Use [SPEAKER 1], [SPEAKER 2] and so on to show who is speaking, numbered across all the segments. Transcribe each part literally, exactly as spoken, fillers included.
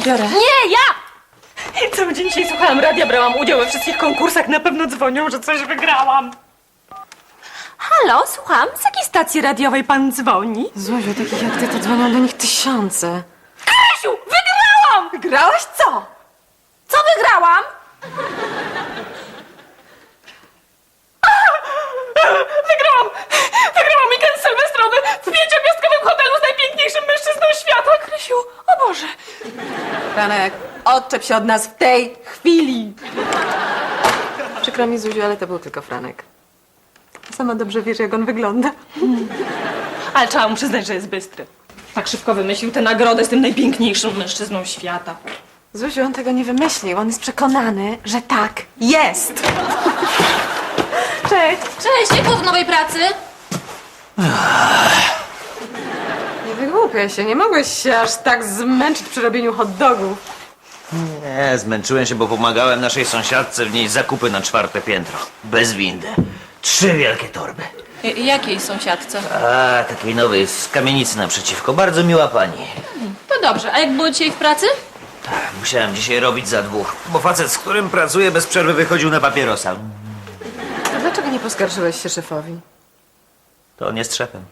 [SPEAKER 1] odbiorę.
[SPEAKER 2] Nie, ja!
[SPEAKER 1] Cały dzień dzisiaj słuchałam radia, brałam udział we wszystkich konkursach. Na pewno dzwonią, że coś wygrałam. Halo, słucham. Z jakiej stacji radiowej pan dzwoni?
[SPEAKER 2] Złoziu, takich jak ty to dzwonią do nich tysiące.
[SPEAKER 1] Krysiu, wygrałam! Wygrałaś co? Co wygrałam? Wygrałam! Wygrałam weekend sylwestrowy w pięciogwiazdkowym hotelu z najpiękniejszym mężczyzną świata, Krysiu. O Boże.
[SPEAKER 2] Franek, odczep się od nas w tej chwili. Przykro mi, Zuziu, ale to był tylko Franek. Sama dobrze wiesz, jak on wygląda.
[SPEAKER 1] Ale trzeba mu przyznać, że jest bystry. Tak szybko wymyślił tę nagrodę z tym najpiękniejszym mężczyzną świata.
[SPEAKER 2] Zuziu, on tego nie wymyślił. On jest przekonany, że tak jest. Cześć.
[SPEAKER 3] Cześć, jak było w nowej pracy?
[SPEAKER 2] Nie wygłupiaj się, nie mogłeś się aż tak zmęczyć przy robieniu hot dogów.
[SPEAKER 4] Nie, zmęczyłem się, bo pomagałem naszej sąsiadce wnieść zakupy na czwarte piętro. Bez windy. Trzy wielkie torby.
[SPEAKER 3] J- jakiej sąsiadce?
[SPEAKER 4] A, takiej nowej, z kamienicy naprzeciwko. Bardzo miła pani.
[SPEAKER 3] To dobrze, a jak było dzisiaj w pracy?
[SPEAKER 4] Tak, musiałem dzisiaj robić za dwóch, bo facet, z którym pracuję, bez przerwy wychodził na papierosa.
[SPEAKER 2] A dlaczego nie poskarżyłeś się szefowi?
[SPEAKER 4] To on jest szefem.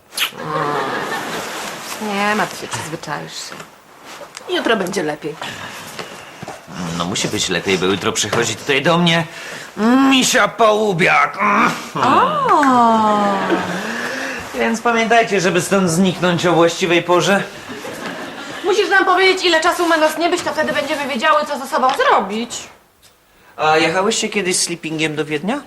[SPEAKER 2] Nie martw się, przyzwyczaisz się. Jutro będzie lepiej.
[SPEAKER 4] No musi być lepiej, bo jutro przychodzi tutaj do mnie misia Połubiak. Więc pamiętajcie, żeby stąd zniknąć o właściwej porze.
[SPEAKER 2] Musisz nam powiedzieć, ile czasu ma nas nie być, to wtedy będziemy wiedziały, co ze sobą zrobić.
[SPEAKER 4] A jechałyście kiedyś sleepingiem do Wiednia?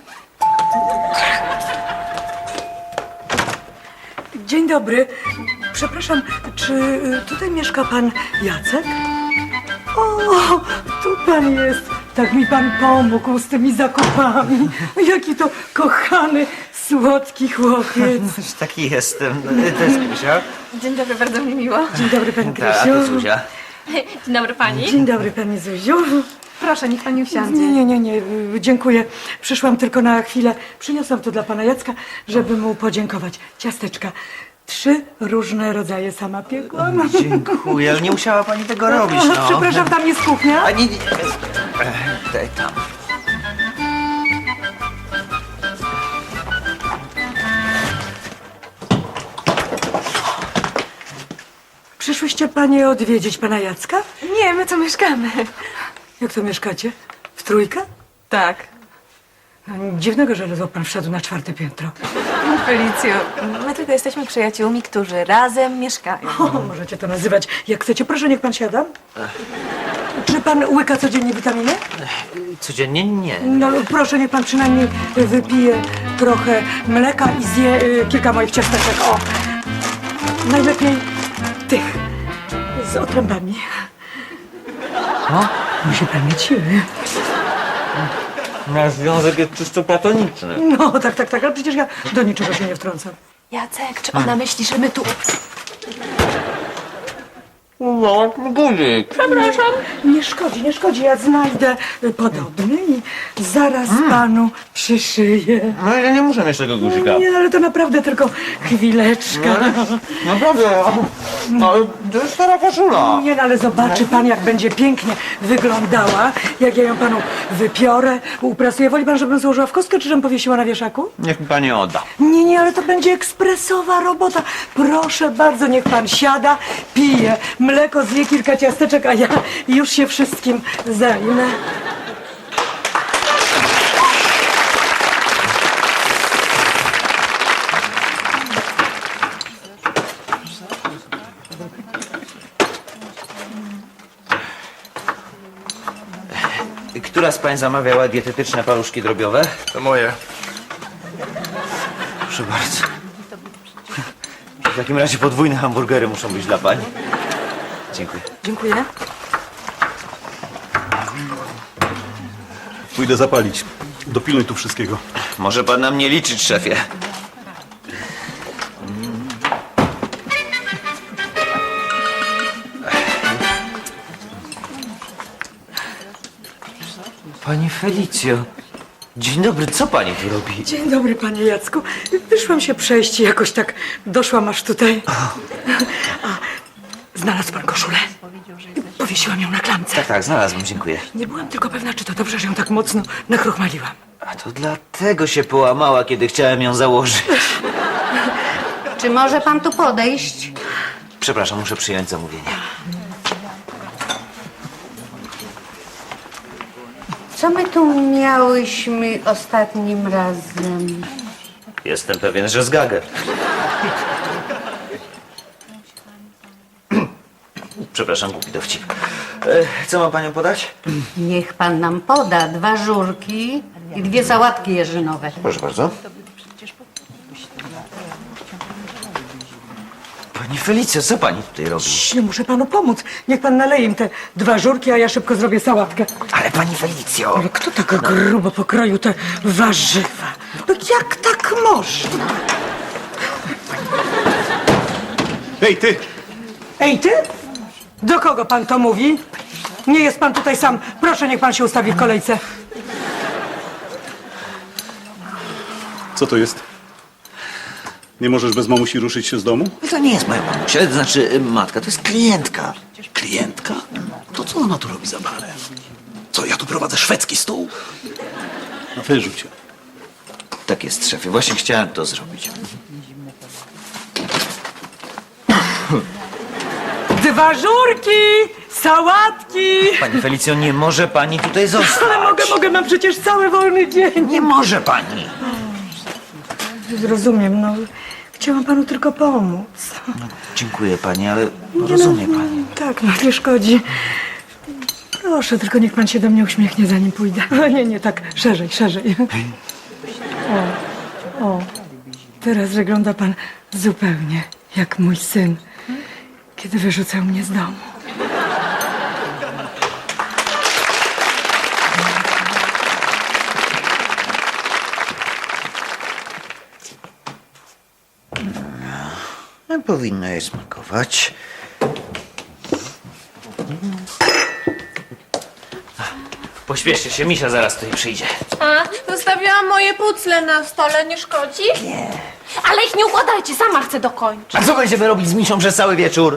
[SPEAKER 5] Dzień dobry. Przepraszam, czy y, tutaj mieszka pan Jacek? O, tu pan jest. Tak mi pan pomógł z tymi zakupami. Jaki to kochany, słodki chłopiec.
[SPEAKER 4] Taki jestem. To jest Krysia.
[SPEAKER 2] Dzień dobry, bardzo mi miło.
[SPEAKER 5] Dzień dobry, pani
[SPEAKER 4] Tak, a
[SPEAKER 5] Krysiu.
[SPEAKER 4] to Zuzia.
[SPEAKER 3] Dzień dobry pani.
[SPEAKER 5] Dzień dobry, pani Zuziu.
[SPEAKER 2] Proszę, niech pani usiądzie.
[SPEAKER 5] Nie, nie, nie, nie, y, dziękuję. Przyszłam tylko na chwilę. Przyniosłam to dla pana Jacka, żeby mu podziękować. Ciasteczka. Trzy różne rodzaje sama piekłam.
[SPEAKER 4] Dziękuję, ale nie musiała pani tego robić, no.
[SPEAKER 5] Przepraszam, tam jest kuchnia.
[SPEAKER 4] A nie, nie. Ech, Daj tam.
[SPEAKER 5] Przyszłyście panie odwiedzić pana Jacka?
[SPEAKER 2] Nie, my tu mieszkamy.
[SPEAKER 5] Jak to mieszkacie? W trójkę?
[SPEAKER 2] Tak.
[SPEAKER 5] No, dziwnego, że ledwo pan wszedł na czwarte piętro.
[SPEAKER 2] Felicjo, my tylko jesteśmy przyjaciółmi, którzy razem mieszkają.
[SPEAKER 5] O, możecie to nazywać jak chcecie. Proszę, niech pan siada. Czy pan łyka codziennie witaminy?
[SPEAKER 4] Codziennie nie.
[SPEAKER 5] No proszę, niech pan przynajmniej wypije trochę mleka i zje y, kilka moich ciasteczek. O, najlepiej tych z otrębami.
[SPEAKER 4] No?
[SPEAKER 5] Musi pan mieć siły.
[SPEAKER 4] Nasz związek jest czysto platoniczny.
[SPEAKER 5] No, tak, tak, tak, ale przecież ja do niczego się nie wtrącam.
[SPEAKER 2] Jacek, czy ona myśli, że my tu...
[SPEAKER 4] No, guzik.
[SPEAKER 5] Nie szkodzi, nie szkodzi, ja znajdę podobny i zaraz panu przyszyję.
[SPEAKER 4] No ja nie muszę mieć tego guzika.
[SPEAKER 5] Nie, ale to naprawdę tylko chwileczka.
[SPEAKER 4] Naprawdę, no, to jest stara koszula.
[SPEAKER 5] Nie, no, ale zobaczy pan, jak będzie pięknie wyglądała, jak ja ją panu wypiorę, uprasuję. Woli pan, żebym złożyła w kostkę, czy żebym powiesiła na wieszaku?
[SPEAKER 4] Niech mi pani odda.
[SPEAKER 5] Nie, nie, ale to będzie ekspresowa robota. Proszę bardzo, niech pan siada, pije mleko, zje kilka ciasteczek, a ja już się wszystkim zajmę.
[SPEAKER 4] Która z pań zamawiała dietetyczne paluszki drobiowe?
[SPEAKER 6] To moje.
[SPEAKER 4] Proszę bardzo. W takim razie podwójne hamburgery muszą być dla pań. Dziękuję.
[SPEAKER 5] Dziękuję.
[SPEAKER 6] Pójdę zapalić. Dopilnuj tu wszystkiego.
[SPEAKER 4] Może pan na mnie liczyć, szefie. Pani Felicjo, dzień dobry, co pani tu robi?
[SPEAKER 5] Dzień dobry, panie Jacku. Wyszłam się przejść i jakoś tak doszłam aż tutaj. A, Znalazł pan koszulę? Powiesiłam ją na klamce.
[SPEAKER 4] Tak, tak, znalazłem, dziękuję.
[SPEAKER 5] Nie byłam tylko pewna, czy to dobrze, że ją tak mocno nakrochmaliłam.
[SPEAKER 4] A to dlatego się połamała, kiedy chciałem ją założyć.
[SPEAKER 7] Czy może pan tu podejść?
[SPEAKER 4] Przepraszam, muszę przyjąć zamówienie.
[SPEAKER 7] Co my tu miałyśmy ostatnim razem?
[SPEAKER 4] Jestem pewien, że z Gagę. Przepraszam, głupi dowcip. E, Co mam panią podać?
[SPEAKER 7] Niech pan nam poda dwa żurki i dwie sałatki jeżynowe.
[SPEAKER 4] Proszę bardzo. Pani Felicjo, co pani tutaj robi?
[SPEAKER 5] Nie muszę panu pomóc. Niech pan naleje im te dwa żurki, a ja szybko zrobię sałatkę.
[SPEAKER 4] Ale pani Felicjo!
[SPEAKER 5] Ale kto tak grubo pokroił te warzywa? No jak tak można?
[SPEAKER 6] Ej, ty!
[SPEAKER 5] Ej, ty? Do kogo pan to mówi? Nie jest pan tutaj sam. Proszę, niech pan się ustawi w kolejce.
[SPEAKER 6] Co to jest? Nie możesz bez mamusi ruszyć się z domu?
[SPEAKER 4] To nie jest moja mamusia, to znaczy y, matka, to jest klientka.
[SPEAKER 8] Klientka? To co ona tu robi za barem? Co, ja tu prowadzę szwedzki stół?
[SPEAKER 6] No wyrzuć ją.
[SPEAKER 4] Tak jest, szefie, właśnie chciałem to zrobić.
[SPEAKER 5] Dwa żurki! Sałatki!
[SPEAKER 4] Pani Felicjo, nie może pani tutaj zostać.
[SPEAKER 5] Ale mogę, mogę, mam przecież cały wolny dzień.
[SPEAKER 4] Nie może pani.
[SPEAKER 5] Rozumiem, no. Chciałam panu tylko pomóc.
[SPEAKER 4] Dziękuję pani, ale rozumie pani.
[SPEAKER 5] Tak, no nie szkodzi. Proszę, tylko niech pan się do mnie uśmiechnie, zanim pójdę. No nie, nie, tak, szerzej, szerzej. O, o, teraz wygląda pan zupełnie jak mój syn, kiedy wyrzucał mnie z domu.
[SPEAKER 4] No, powinno jej smakować. Pośpieszcie się, Misia zaraz tutaj przyjdzie.
[SPEAKER 3] A, zostawiłam moje pucle na stole, nie szkodzi? Nie. Ale ich nie układajcie, sama chcę dokończyć.
[SPEAKER 4] A co będziemy robić z Misią przez cały wieczór?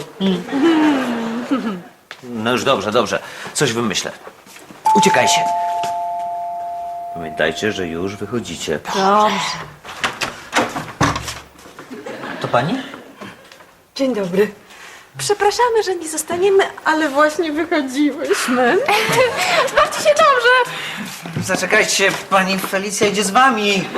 [SPEAKER 4] No już dobrze, dobrze. Coś wymyślę. Uciekajcie. Pamiętajcie, że już wychodzicie.
[SPEAKER 3] Dobrze.
[SPEAKER 4] To pani?
[SPEAKER 5] Dzień dobry.
[SPEAKER 2] Przepraszamy, że nie zostaniemy, ale właśnie wychodziłyśmy.
[SPEAKER 3] Bawcie się dobrze.
[SPEAKER 4] Zaczekajcie, pani Felicja idzie z wami.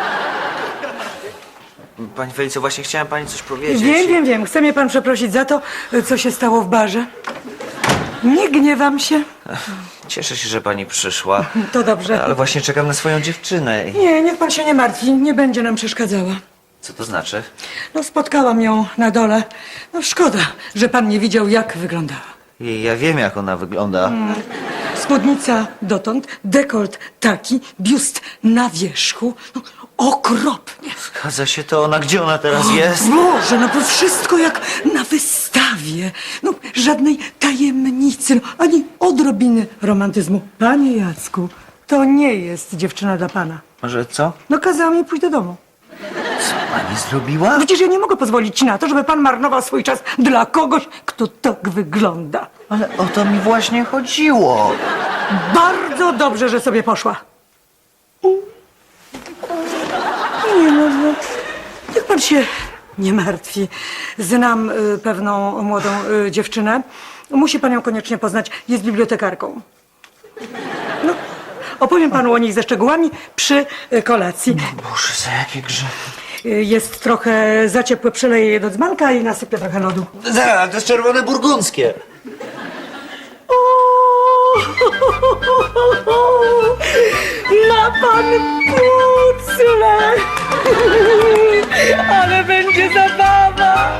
[SPEAKER 4] Pani Felicjo, właśnie chciałem pani coś powiedzieć.
[SPEAKER 5] Wiem, wiem, wiem. Chce mnie pan przeprosić za to, co się stało w barze. Nie gniewam się.
[SPEAKER 4] Cieszę się, że pani przyszła.
[SPEAKER 5] To dobrze.
[SPEAKER 4] Ale właśnie czekam na swoją dziewczynę. I-
[SPEAKER 5] Nie, niech pan się nie martwi. Nie będzie nam przeszkadzała.
[SPEAKER 4] Co to znaczy?
[SPEAKER 5] No, spotkałam ją na dole. No, szkoda, że pan nie widział, jak wyglądała.
[SPEAKER 4] I ja wiem, jak ona wygląda.
[SPEAKER 5] Spódnica dotąd, dekolt taki, biust na wierzchu. No, okropnie.
[SPEAKER 4] Zgadza się to ona. Gdzie ona teraz jest?
[SPEAKER 5] Boże, no to wszystko jak na wystawie. No, żadnej tajemnicy, no, ani odrobiny romantyzmu. Panie Jacku, to nie jest dziewczyna dla pana.
[SPEAKER 4] Może co?
[SPEAKER 5] No, kazała mi pójść do domu.
[SPEAKER 4] Co pani zrobiła?
[SPEAKER 5] Przecież ja nie mogę pozwolić na to, żeby pan marnował swój czas dla kogoś, kto tak wygląda.
[SPEAKER 4] Ale o to mi właśnie chodziło.
[SPEAKER 5] Bardzo dobrze, że sobie poszła. Nie no, no. Niech pan się nie martwi. Znam y, pewną młodą y, dziewczynę. Musi pan ją koniecznie poznać. Jest bibliotekarką. No, opowiem panu o niej ze szczegółami przy y, kolacji.
[SPEAKER 4] Boże, za jakie grzechy.
[SPEAKER 5] Y, jest trochę za ciepłe, przeleję je do dzbanka i nasypię trochę lodu.
[SPEAKER 4] Zaraz, to jest czerwone burgundzkie.
[SPEAKER 5] Ma pan pucle! Ale będzie zabawa!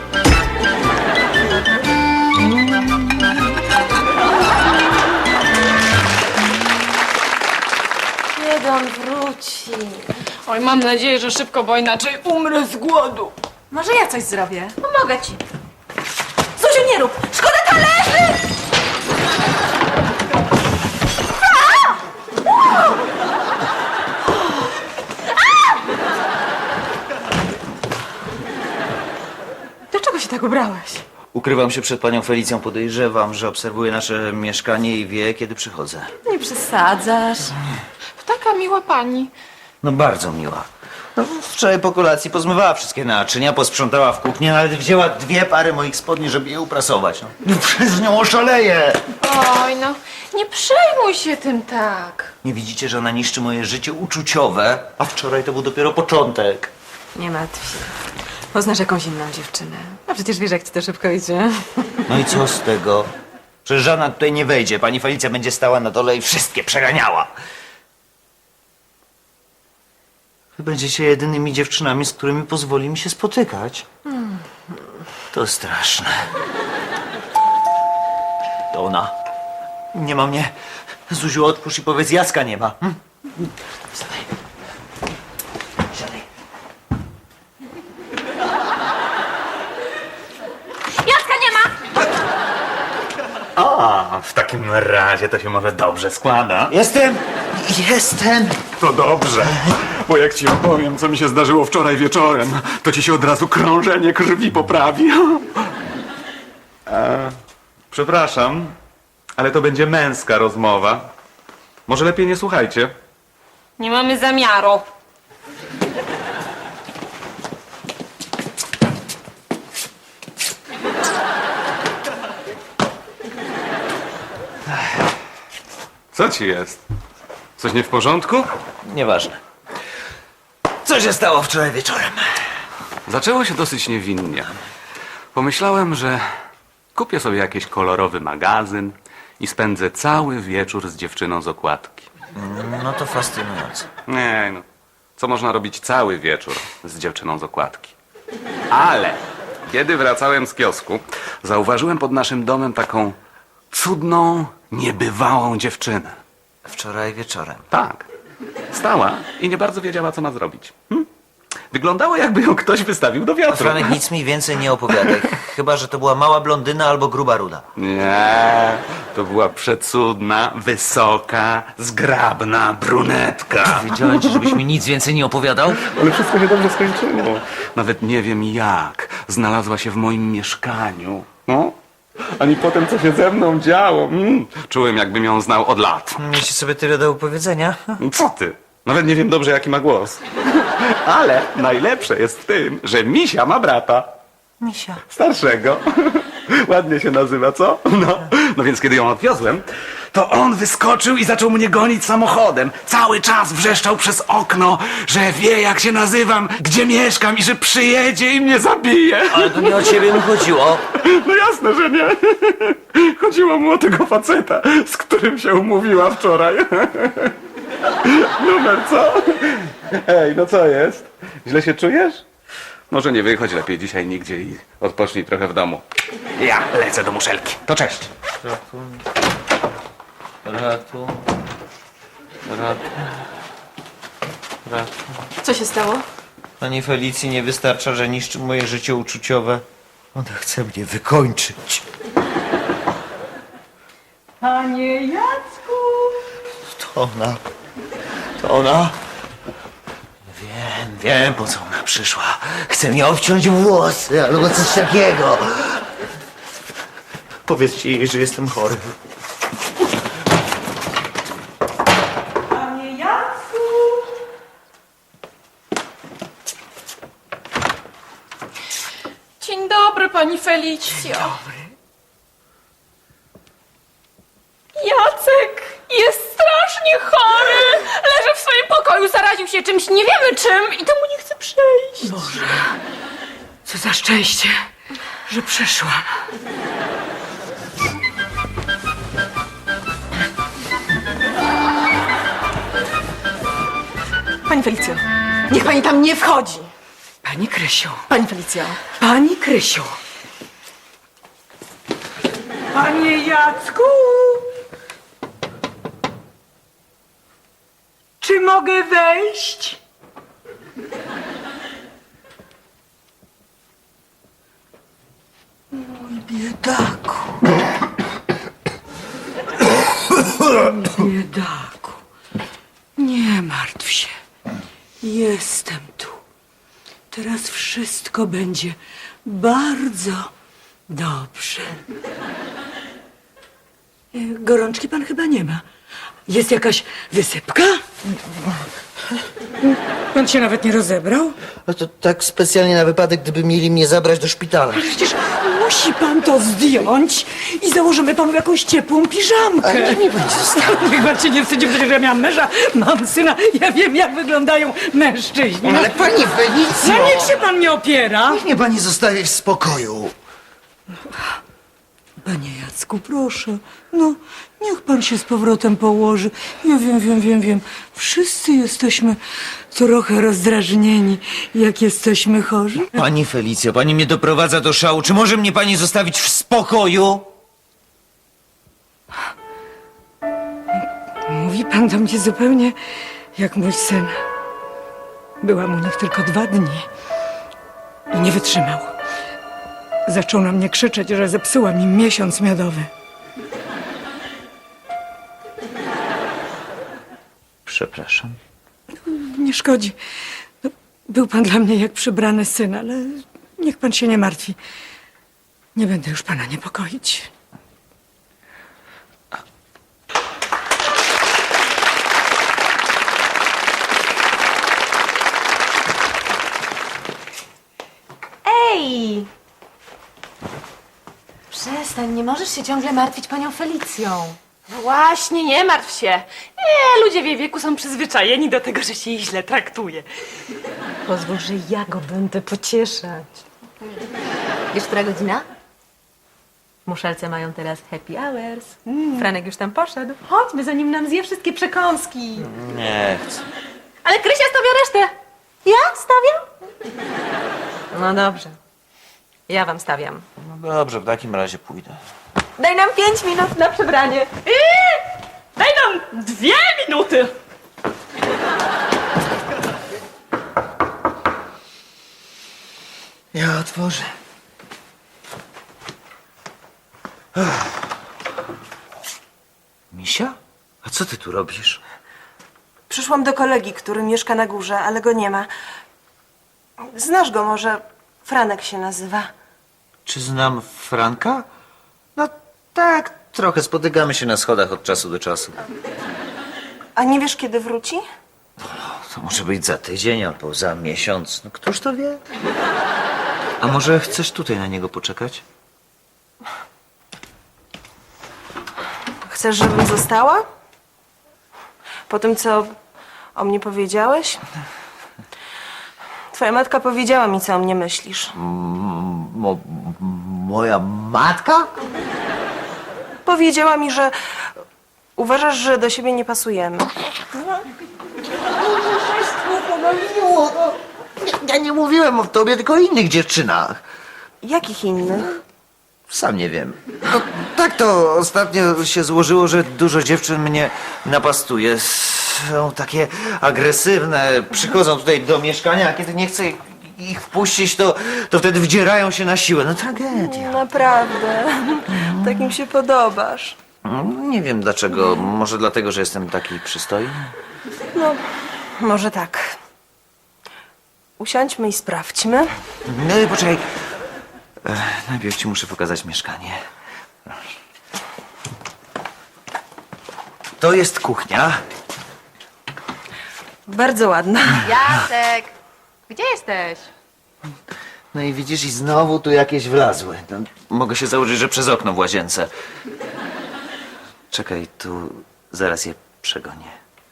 [SPEAKER 2] Kiedy on wróci?
[SPEAKER 1] Oj, mam nadzieję, że szybko, bo inaczej umrę z głodu.
[SPEAKER 2] Może ja coś zrobię?
[SPEAKER 3] Pomogę ci.
[SPEAKER 2] Zuziu, nie rób! Szkoda talerzy!
[SPEAKER 5] Dlaczego się tak ubrałeś?
[SPEAKER 4] Ukrywam się przed panią Felicją, podejrzewam, że obserwuje nasze mieszkanie i wie, kiedy przychodzę.
[SPEAKER 2] Nie przesadzasz.
[SPEAKER 3] Taka miła pani.
[SPEAKER 4] No bardzo miła. No, wczoraj po kolacji pozmywała wszystkie naczynia, posprzątała w kuchni, nawet wzięła dwie pary moich spodni, żeby je uprasować. No, no przez nią oszaleję!
[SPEAKER 3] Oj, no, nie przejmuj się tym tak.
[SPEAKER 4] Nie widzicie, że ona niszczy moje życie uczuciowe? A wczoraj to był dopiero początek.
[SPEAKER 2] Nie martw się. Poznasz jakąś inną dziewczynę. A przecież wiesz, jak ci to szybko idzie.
[SPEAKER 4] No i co z tego? Przecież żadna tutaj nie wejdzie. Pani Felicja będzie stała na dole i wszystkie przeganiała. Wy będziecie jedynymi dziewczynami, z którymi pozwoli mi się spotykać. To straszne. To ona. Nie ma mnie. Zuziu, otwórz i powiedz, Jacka nie ma. Hm? Siadaj. Siadaj.
[SPEAKER 3] Jacka nie ma!
[SPEAKER 9] A, w takim razie to się może dobrze składa.
[SPEAKER 4] Jestem! Jestem!
[SPEAKER 6] To dobrze, bo jak ci opowiem, co mi się zdarzyło wczoraj wieczorem, to ci się od razu krążenie krwi poprawi.
[SPEAKER 9] Przepraszam, ale to będzie męska rozmowa. Może lepiej nie słuchajcie.
[SPEAKER 1] Nie mamy zamiaru.
[SPEAKER 9] Co ci jest? Coś nie w porządku?
[SPEAKER 4] Nieważne. Co się stało wczoraj wieczorem?
[SPEAKER 9] Zaczęło się dosyć niewinnie. Pomyślałem, że kupię sobie jakiś kolorowy magazyn i spędzę cały wieczór z dziewczyną z okładki.
[SPEAKER 4] No to fascynujące.
[SPEAKER 9] Nie, no. Co można robić cały wieczór z dziewczyną z okładki? Ale kiedy wracałem z kiosku, zauważyłem pod naszym domem taką cudną, niebywałą dziewczynę.
[SPEAKER 4] Wczoraj wieczorem.
[SPEAKER 9] Tak. Stała i nie bardzo wiedziała, co ma zrobić. Hm? Wyglądało, jakby ją ktoś wystawił do wiatru.
[SPEAKER 4] Franek, nic mi więcej nie opowiadaj. Chyba, że to była mała blondyna albo gruba ruda.
[SPEAKER 9] Nie, to była przecudna, wysoka, zgrabna brunetka.
[SPEAKER 4] Wiedziałem ci, żebyś mi nic więcej nie opowiadał?
[SPEAKER 9] Ale wszystko się dobrze skończyło. Nawet nie wiem jak. Znalazła się w moim mieszkaniu. No, ani potem, co się ze mną działo. Mm. Czułem, jakbym ją znał od lat.
[SPEAKER 4] Mieliście sobie tyle do opowiedzenia?
[SPEAKER 9] Co ty? Nawet nie wiem dobrze, jaki ma głos. Ale najlepsze jest w tym, że Misia ma brata.
[SPEAKER 4] Misia.
[SPEAKER 9] Starszego. Ładnie się nazywa, co? No. No więc kiedy ją odwiozłem, to on wyskoczył i zaczął mnie gonić samochodem. Cały czas wrzeszczał przez okno, że wie, jak się nazywam, gdzie mieszkam i że przyjedzie i mnie zabije.
[SPEAKER 4] Ale to nie o ciebie mi chodziło.
[SPEAKER 9] No jasne, że nie. Chodziło mu o tego faceta, z którym się umówiła wczoraj. Numer, co? Ej, no co jest? Źle się czujesz? Może nie wychodź lepiej dzisiaj nigdzie i odpocznij trochę w domu. Ja lecę do muszelki. To cześć.
[SPEAKER 4] Ratu. Ratu. Ratu. Ratu.
[SPEAKER 2] Co się stało?
[SPEAKER 4] Pani Felicji nie wystarcza, że niszczy moje życie uczuciowe. Ona chce mnie wykończyć.
[SPEAKER 5] Panie Jacku!
[SPEAKER 4] To ona. To ona. Wiem, wiem, po co ona przyszła. Chce mnie obciąć włosy albo coś takiego. Powiedzcie jej, że jestem chory.
[SPEAKER 5] Panie Jacku!
[SPEAKER 3] Dzień dobry, pani Felicjo.
[SPEAKER 5] Dobry.
[SPEAKER 3] Jacek jest strasznie chory. Leży w swoim pokoju, zaraził się czymś, nie wiemy czym i to mu nie chce przejść.
[SPEAKER 5] Boże, co za szczęście, że przyszłam.
[SPEAKER 2] Pani Felicjo, niech pani tam nie wchodzi.
[SPEAKER 5] Pani Krysiu,
[SPEAKER 2] Pani Felicjo.
[SPEAKER 5] pani Krysiu. Panie Jacku! Czy mogę wejść? Mój biedaku. Mój biedaku. Nie martw się. Jestem tu. Teraz wszystko będzie bardzo, Dobrze. E, Gorączki pan chyba nie ma. Jest jakaś wysypka? Pan się nawet nie rozebrał?
[SPEAKER 4] No to tak specjalnie na wypadek, gdyby mieli mnie zabrać do szpitala.
[SPEAKER 5] Przecież musi pan to zdjąć i założymy panu jakąś ciepłą piżamkę.
[SPEAKER 4] Ale niech mnie pani zostawi.
[SPEAKER 5] Niech pan się nie wstydzi, przecież ja miałam męża, mam syna, ja wiem jak wyglądają mężczyźni.
[SPEAKER 4] Ale pani Felicjo!
[SPEAKER 5] No niech się pan nie opiera.
[SPEAKER 4] Niech mnie pani zostawi w spokoju.
[SPEAKER 5] Panie Jacku, proszę, no niech pan się z powrotem położy. Ja wiem, wiem, wiem, wiem. Wszyscy jesteśmy trochę rozdrażnieni, jak jesteśmy chorzy.
[SPEAKER 4] Pani Felicjo, pani mnie doprowadza do szału. Czy może mnie pani zostawić w spokoju?
[SPEAKER 5] Mówi pan do mnie zupełnie jak mój syn. Byłam u nich tylko dwa dni i nie wytrzymał. Zaczął na mnie krzyczeć, że zepsuła mi miesiąc miodowy.
[SPEAKER 4] Przepraszam.
[SPEAKER 5] Nie szkodzi. No, był pan dla mnie jak przybrany syn, ale niech pan się nie martwi. Nie będę już pana niepokoić.
[SPEAKER 2] Ej! Przestań, nie możesz się ciągle martwić panią Felicją.
[SPEAKER 1] No właśnie, nie martw się. Nie, ludzie w jej wieku są przyzwyczajeni do tego, że się ich źle traktuje.
[SPEAKER 2] Pozwól, że ja go będę pocieszać. Wiesz, która godzina? Muszelce mają teraz happy hours. Franek już tam poszedł. Chodźmy, zanim nam zje wszystkie przekąski.
[SPEAKER 4] Nie chcę.
[SPEAKER 2] Ale Krysia stawia resztę. Ja stawiam? No dobrze. Ja wam stawiam.
[SPEAKER 4] No dobrze, w takim razie pójdę.
[SPEAKER 2] Daj nam pięć minut na przebranie.
[SPEAKER 1] Eee, daj nam dwie minuty.
[SPEAKER 4] Ja otworzę. Ech. Misia? A co ty tu robisz?
[SPEAKER 10] Przyszłam do kolegi, który mieszka na górze, ale go nie ma. Znasz go może? Franek się nazywa.
[SPEAKER 4] Czy znam Franka? No tak, trochę spotykamy się na schodach od czasu do czasu.
[SPEAKER 10] A nie wiesz, kiedy wróci?
[SPEAKER 4] To może być za tydzień albo za miesiąc. No któż to wie? A może chcesz tutaj na niego poczekać?
[SPEAKER 10] Chcesz, żebym została? Po tym, co o mnie powiedziałeś? Twoja matka powiedziała mi, co o mnie myślisz.
[SPEAKER 4] Mo, moja matka?
[SPEAKER 10] Powiedziała mi, że uważasz, że do siebie nie pasujemy.
[SPEAKER 4] Ja nie mówiłem o tobie, tylko o innych dziewczynach.
[SPEAKER 10] Jakich innych?
[SPEAKER 4] Sam nie wiem. No, tak to ostatnio się złożyło, że dużo dziewczyn mnie napastuje. Są takie agresywne. Przychodzą tutaj do mieszkania, a kiedy nie chcę ich wpuścić, to, to wtedy wdzierają się na siłę. No tragedia.
[SPEAKER 10] Naprawdę. Takim się podobasz.
[SPEAKER 4] Nie wiem dlaczego. Może dlatego, że jestem taki przystojny?
[SPEAKER 10] No, może tak. Usiądźmy i sprawdźmy.
[SPEAKER 4] No poczekaj. Ech, najpierw ci muszę pokazać mieszkanie. To jest kuchnia.
[SPEAKER 10] Bardzo ładna.
[SPEAKER 2] Jacek! Gdzie jesteś?
[SPEAKER 4] No i widzisz, i znowu tu jakieś wlazły. No, mogę się założyć, że przez okno w łazience. Czekaj, tu zaraz je przegonię.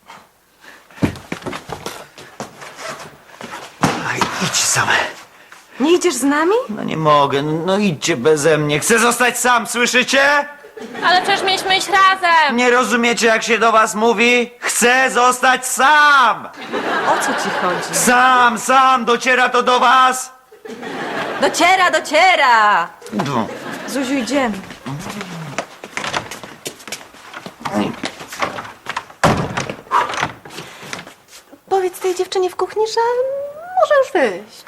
[SPEAKER 4] Aj, idź same.
[SPEAKER 10] Nie idziesz z nami?
[SPEAKER 4] No nie mogę, no idźcie beze mnie. Chcę zostać sam, słyszycie?
[SPEAKER 3] Ale przecież mieliśmy iść razem.
[SPEAKER 4] Nie rozumiecie, jak się do was mówi? Chcę zostać sam!
[SPEAKER 10] O co ci chodzi?
[SPEAKER 4] Sam, sam, dociera to do was?
[SPEAKER 2] Dociera, dociera!
[SPEAKER 4] No.
[SPEAKER 10] Zuziu, idziemy. Powiedz tej dziewczynie w kuchni, że może już wyjść.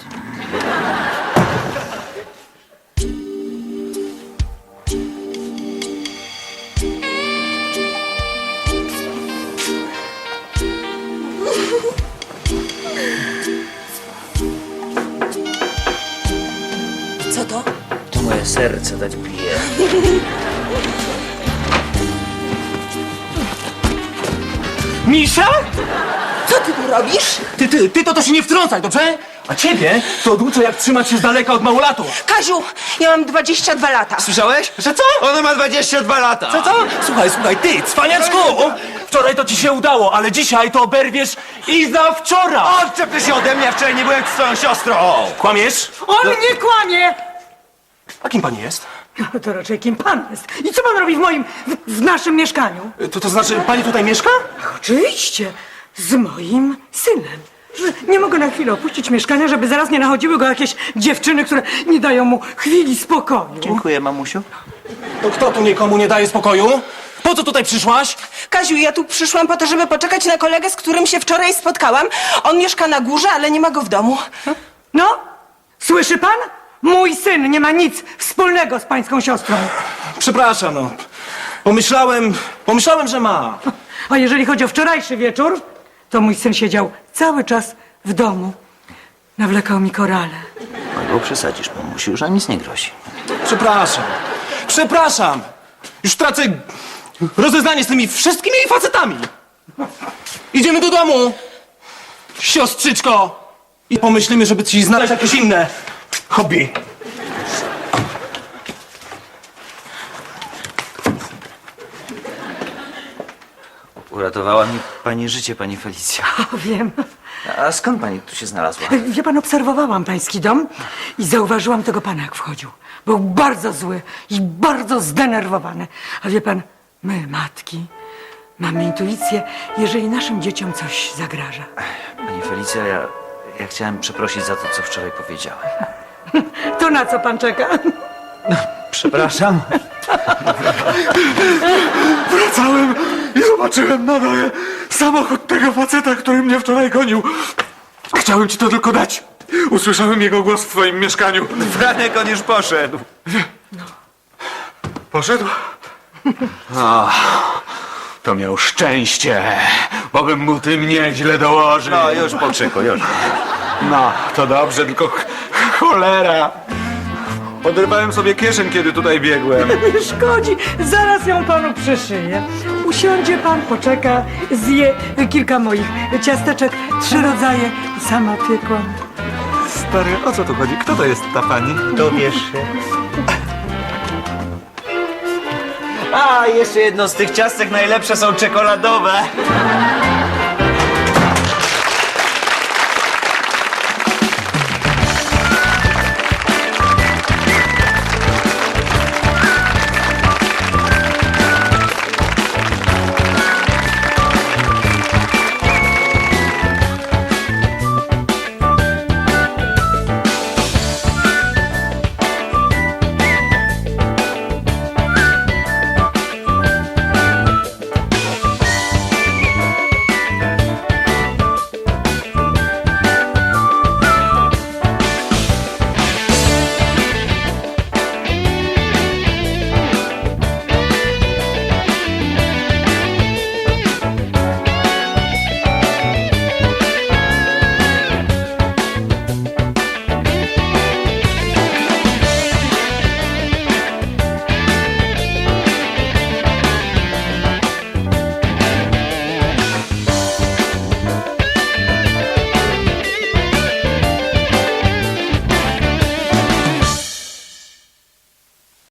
[SPEAKER 4] To moje serce tak bije.
[SPEAKER 11] Misza?
[SPEAKER 10] Co ty tu robisz?
[SPEAKER 11] Ty, ty, ty to to się nie wtrącaj, dobrze? A ciebie to oduczę, jak trzymać się z daleka od małolatów.
[SPEAKER 10] Kaziu, ja mam dwadzieścia dwa lata.
[SPEAKER 11] Słyszałeś? Że co?
[SPEAKER 4] Ona ma dwadzieścia dwa lata!
[SPEAKER 11] Co, co? Słuchaj, słuchaj, ty, cwaniaczku! Wczoraj to ci się udało, ale dzisiaj to oberwiesz i za wczoraj!
[SPEAKER 4] Odczep ty się ode mnie, ja wczoraj nie byłem z twoją siostrą!
[SPEAKER 11] Kłamiesz?
[SPEAKER 5] On nie kłamie!
[SPEAKER 11] A kim pani jest?
[SPEAKER 5] No to raczej kim pan jest? I co pan robi w moim, w, w naszym mieszkaniu?
[SPEAKER 11] To, to znaczy, pani tutaj mieszka?
[SPEAKER 5] Oczywiście, z moim synem. Że nie mogę na chwilę opuścić mieszkania, żeby zaraz nie nachodziły go jakieś dziewczyny, które nie dają mu chwili spokoju.
[SPEAKER 4] Dziękuję, mamusiu.
[SPEAKER 11] To kto tu nikomu nie daje spokoju? Po co tutaj przyszłaś?
[SPEAKER 10] Kaziu, ja tu przyszłam po to, żeby poczekać na kolegę, z którym się wczoraj spotkałam. On mieszka na górze, ale nie ma go w domu.
[SPEAKER 5] No, słyszy pan? Mój syn nie ma nic wspólnego z pańską siostrą.
[SPEAKER 11] Przepraszam, no. Pomyślałem, pomyślałem, że ma.
[SPEAKER 5] A jeżeli chodzi o wczorajszy wieczór, to mój syn siedział cały czas w domu. Nawlekał mi korale.
[SPEAKER 4] Albo przesadzisz, mamusiu, już nam nic nie grozi.
[SPEAKER 11] Przepraszam. Przepraszam. Już tracę rozeznanie z tymi wszystkimi jej facetami. Idziemy do domu, siostrzyczko. I pomyślimy, żeby ci znaleźć jakieś inne hobby.
[SPEAKER 4] Uratowała mi pani życie, pani Felicja.
[SPEAKER 5] O, wiem.
[SPEAKER 4] A skąd pani tu się znalazła?
[SPEAKER 5] Wie pan, obserwowałam pański dom i zauważyłam tego pana, jak wchodził. Był bardzo zły i bardzo zdenerwowany. A wie pan, my, matki, mamy intuicję, jeżeli naszym dzieciom coś zagraża.
[SPEAKER 4] Pani Felicja, ja, ja chciałem przeprosić za to, co wczoraj powiedziałem.
[SPEAKER 5] To na co pan czeka?
[SPEAKER 4] Przepraszam.
[SPEAKER 6] Wracałem i zobaczyłem na dole samochód tego faceta, który mnie wczoraj gonił. Chciałem ci to tylko dać. Usłyszałem jego głos w twoim mieszkaniu.
[SPEAKER 4] Franek, on już poszedł.
[SPEAKER 6] Poszedł?
[SPEAKER 9] O, to miał szczęście, bo bym mu tym nieźle dołożył.
[SPEAKER 4] No, już po krzyku, już.
[SPEAKER 9] No, to dobrze, tylko ch- cholera. Oderwałem sobie kieszeń, kiedy tutaj biegłem.
[SPEAKER 5] Nie szkodzi, zaraz ją panu przyszyję. Usiądzie pan, poczeka, zje kilka moich ciasteczek, trzy rodzaje, sama piekłam.
[SPEAKER 6] Stary, o co tu chodzi? Kto to jest ta pani?
[SPEAKER 4] Dowiesz się. A, jeszcze jedno z tych ciastek najlepsze są czekoladowe.